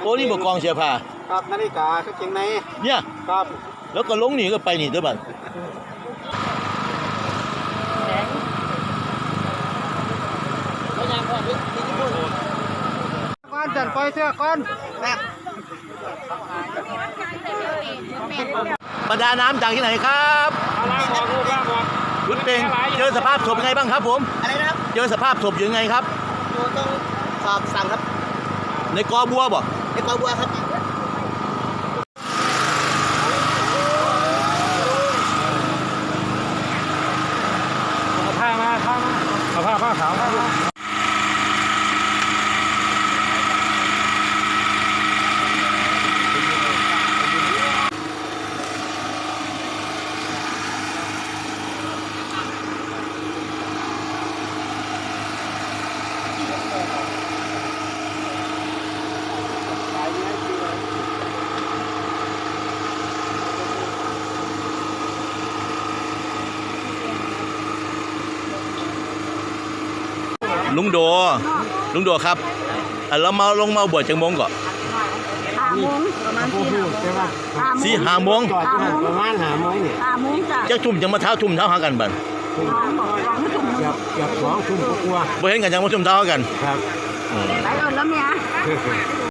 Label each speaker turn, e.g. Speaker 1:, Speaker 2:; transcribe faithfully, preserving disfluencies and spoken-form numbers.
Speaker 1: โอ้นี่บอกกองเสียผ้า
Speaker 2: ครับนาฬิกาก็เก่งใน
Speaker 1: เนี่ย
Speaker 2: ครับ
Speaker 1: แล้วก็ลงนี่ก็ไปนี่ด้วยบัด
Speaker 2: ก้อนจันปล่อยเสื้อก้อนแบบ
Speaker 1: ประดาน้ำจากที่ไหนครับ
Speaker 2: ล่างบอกลูกล่างบอก
Speaker 1: รุดเป็นเจอสภาพศพยังไงบ้างครับผม
Speaker 2: อะไรนะครับ
Speaker 1: เจอสภาพศพยังไงครับ
Speaker 2: ต้องสอบสั่งครับ
Speaker 1: ในกอบัวบ่
Speaker 2: ในกอบัวครับผ้ามาผ้ามาเอาผ้าผ้าขาวมา
Speaker 1: ลุงโดลุงโดครับเรามาลงมาบวชจังมงก่อน
Speaker 3: ห้าโมงประมาณ
Speaker 1: สี่ห้าโมง
Speaker 2: จอดประมาณห้าโมงเนี่ย
Speaker 3: ห้าโมงจ้ะ
Speaker 1: จะทุ่มจังมาเท้าทุ่มเท้าหากันบัน
Speaker 2: เกือบเกือบสองทุ่มกว่า
Speaker 1: บ่เห็นกันจังมาทุ่มเท้าหากัน
Speaker 2: ครับ
Speaker 3: ไปเอิญแล้วเมีย